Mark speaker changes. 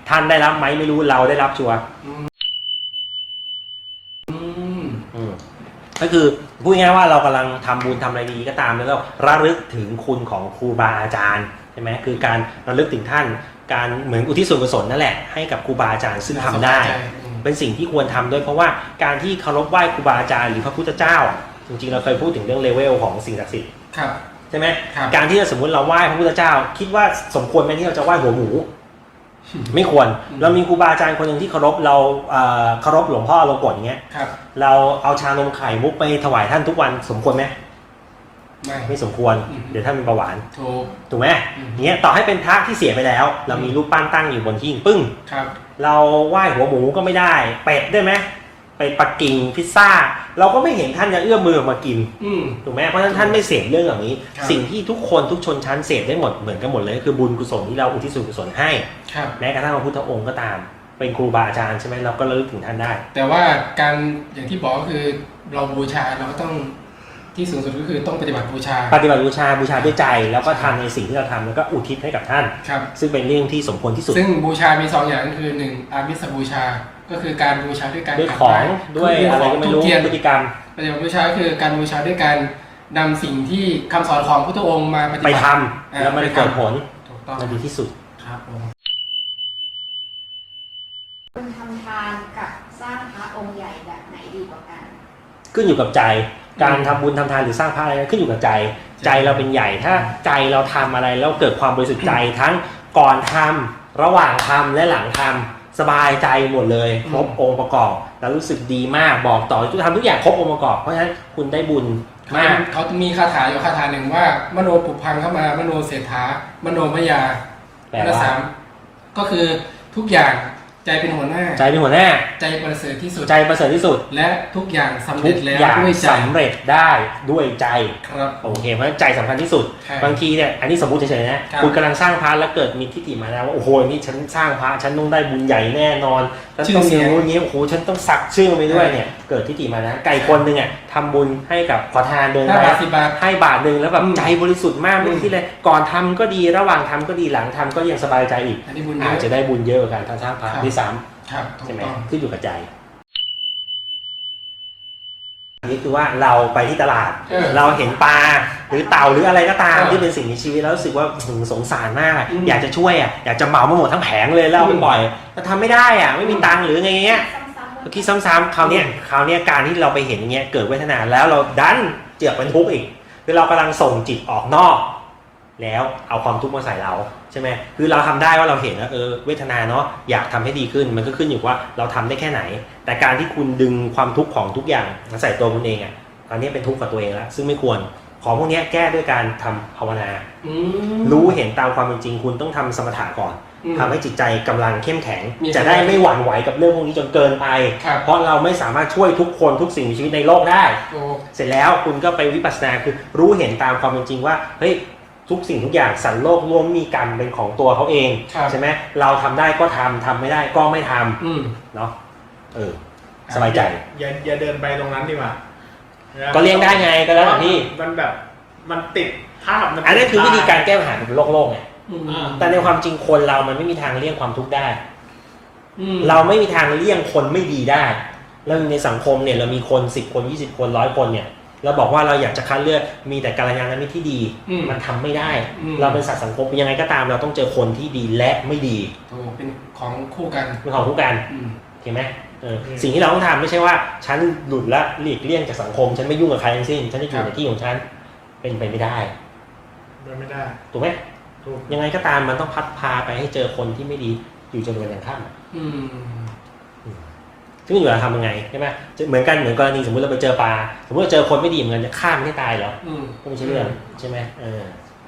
Speaker 1: ท่านได้รับไหมไม่รู้เราได้รับชัวร์ก็คือพูดง่ายๆว่าเรากำลังทำบุญทำอะไรดีก็ตามแล้วก็ระลึกถึงคุณของครูบาอาจารย์ใช่ไหมคือการระลึกถึงท่านการเหมือนอุทิศส่วนกุศลนั่นแหละให้กับครูบาอาจารย์ซึ่งทำได้เป็นสิ่งที่ควรทำด้วยเพราะว่าการที่เคารพไหว้ครูบาอาจารย์หรือพระพุทธเจ้าจริงๆเราเคยพูดถึงเรื่องเลเวลของสิ่งศักดิ์สิทธิ์ใช่ไหมการที่สมมติเราไหว้พระพุทธเจ้าคิดว่าสมควรไหมที่เราจะไหว้หัวหมูไม่ควรเรามีครูบาอาจารย์คนหนึ่งที่เคารพเราเคารพหลวงพ่อลงกฎอย่างเงี้ยเราเอาชานมไข่มุกไปถวายท่านทุกวันสมควรไหมไม่สมควรเดี๋ยวท่านเป็นเบาหวานถูกไหมเงี้ยต่อให้เป็นพระที่เสียไปแล้วเรามีรูปปั้นตั้งอยู่บนหิ้งปึ้งเราไหว้หัวหมูก็ไม่ได้เป็ดได้ไหมไปปักกิ่งพิซซ่าเราก็ไม่เห็นท่านจะเอื้อมมือมากินถูกไหมเพราะฉะนั้นท่านไม่เสพเรื่องอย่างนี้สิ่งที่ทุกคนทุกชนชั้นเสพได้หมดเหมือนกันหมดเลยคือบุญกุศลที่เราอุทิศส่วนกุศลให้แม้กระทั่งพระพุทธองค์ก็ตามเป็นครูบาอาจารย์ใช่ไหมเราก็ระลึกถึงท่านได้
Speaker 2: แต่ว่าการอย่างที่บอกก็คือเราบูชาเราก็ต้องที่สูงสุดก็คือต้องปฏิบัติบูชา
Speaker 1: ด้วยใจแล้วก็ทำในสิ่งที่เราทำแล้วก็อุทิศให้กับท่านซึ่งเป็นเรื่องที่สมควรที่สุด
Speaker 2: ซึ่งบูชามี2อย่างก็คือ1อามิสบูชาก็คือการบูชาด้วยการ
Speaker 1: ด้วยของด้วยอะไรก็ไม่รู้พฤติกรรม
Speaker 2: ปฏิบัติบูชาคือการบูชาด้วยการนำสิ่งที่คำสอนของพุทธองค์มาปฏิบัติ
Speaker 1: ไปทำแล้วมันเกิดผลมันดีที่สุด
Speaker 2: ครับ
Speaker 3: คุณทำทานกับสร้างพระองค์ใหญ่แบบไหนดีกว่ากัน
Speaker 1: ขึ้นอยู่กับใจการทำบุญทำทานหรือสร้างพระอะไรขึ้นอยู่กับใจเราเป็นใหญ่ถ้าใจเราทำอะไรแล้วเกิดความบริสุทธิ์ใจทั้งก่อนทำระหว่างทำและหลังทำสบายใจหมดเลยครบองค์ประกอบแล้วรู้สึกดีมากบอกต่อทำทุกอย่างครบองค์ประกอบเพราะฉะนั้นคุณได้บุญมาก
Speaker 2: เขามีคาถาอยู่คาถาหนึ่งว่ามโนปุพังเข้ามามโนเศรษฐามโนมยา
Speaker 1: แปลว่า
Speaker 2: ก็คือทุกอย่างใจเป็นหัวหน้า
Speaker 1: ใจประเสริฐที่สุด
Speaker 2: และทุกอย่างสำเร็จแล้วด้วยใจ
Speaker 1: สำเร็จได้ด้วยใจ
Speaker 2: ครับ
Speaker 1: โอเคเพราะฉะนั้นใจสำคัญที่สุดบางทีเนี่ยอันนี้สมมติเฉยๆนะคุณกำลังสร้างพระแล้วเกิดมีทิฏฐิมาแล้วว่าโอ้โหนี่ฉันสร้างพระฉันต้องได้บุญใหญ่แน่นอนฉันต้องมีอย่างนี้โอ้โหฉันต้องสักชื่อไปด้วยเนี่ยเกิดทิฏฐิมานะไก่คนหนึ่งอ่ะทำบุญให้กับขอทานเดินไปให้บาทนึงแล้วแบบใจบริสุทธิ์มากไม่คิดเลยก่อนทำก็ดีระหว่างทำก็ดีหลังทำก็ยังสบายใจอีกอาจจะได้บุญเยอะกว่าการสร้างพระที่ซ้ำใช่ไหมขึ้นอยู่กับใจนี่คือว่าเราไปที่ตลาดเราเห็นปลาหรือเต่าหรืออะไรก็ตามที่เป็นสิ่งมีชีวิตแล้วรู้สึกว่าสงสารมากอยากจะช่วยอยากจะเหมาหมดทั้งแผงเลยแล้วเอาไปปล่อยแต่ทำไม่ได้ไม่มีตังค์หรือไงเงี้ยคิดซ้ำๆคราวนี้การที่เราไปเห็นอย่างเงี้ยเกิดเวทนาแล้วเราดันเจือกเป็นทุกข์อีกคือเรากำลังส่งจิตออกนอกแล้วเอาความทุกข์มาใส่เราใช่ไหมคือเราทำได้ว่าเราเห็นว่าเวทนาเนาะอยากทำให้ดีขึ้นมันก็ขึ้นอยู่ว่าเราทำได้แค่ไหนแต่การที่คุณดึงความทุกข์ของทุกอย่างมาใส่ตัวคุณเองตอนนี้เป็นทุกข์กับตัวเองแล้วซึ่งไม่ควรของพวกนี้แก้ด้วยการทำภาวนารู้เห็นตามความเป็นจริงคุณต้องทำสมถะก่อนทำให้จิตใจกำลังเข้มแข็งจะได้ไม่หวั่นไหวกับเรื่องพวกนี้จนเกินไปเพราะเราไม่สามารถช่วยทุกคนทุกสิ่งมีชีวิตในโลกได้เสร็จแล้วคุณก็ไปวิปัสสนาคือรู้เห็นตามความเป็นจริงว่าเฮ้ยทุกสิ่งทุกอย่างสันโลกล้วนมีกรรมเป็นของตัวเขาเองใช่ไหมเราทำได้ก็ทำไม่ได้ก็ไม่ทำเนาะสบายใจ
Speaker 4: อย่าเดินไปตรงนั้นดีกว่า
Speaker 1: ก็เลี่ยงได้ไงก็แล้วแต่ที่
Speaker 4: มันแบบมันติดภาพ
Speaker 1: อันนี้คือวิธีการแก้ปัญหาแบบโลกไงแต่ในความจริงคนเรามันไม่มีทางเลี่ยงความทุกข์ได้เราไม่มีทางเลี่ยงคนไม่ดีได้แล้วในสังคมเนี่ยเรามีคน10 คน20 คน100 คนเนี่ยเราบอกว่าเราอยากจะคัดเลือกมีแต่กัลยาณมิตรที่ดีมันทำไม่ได้เราเป็นสัตว์สังคมยังไงก็ตามเราต้องเจอคนที่ดีและไม่ดี
Speaker 2: เป็นของคู่กัน
Speaker 1: เห็นไหมสิ่งที่เราต้องทำไม่ใช่ว่าฉันหลุดละหลีกเลี่ยงจากสังคมฉันไม่ยุ่งกับใครทั้งสิ้นฉันจะอยู่ในที่ของฉันเป็นไปไม่ได้ถูกไหมยังไงก็ตามมันต้องพัดพาไปให้เจอคนที่ไม่ดีอยู่จนวันยังค่ำซึ่งอยู่เราทำยังไงใช่ไหมเหมือนกรณีสมมติเราไปเจอปลาสมมติเราเจอคนไม่ดีเหมือนกันจะฆ่ามันให้ตายเหรอก็ไม่ใช่เรื่องใช่ไหม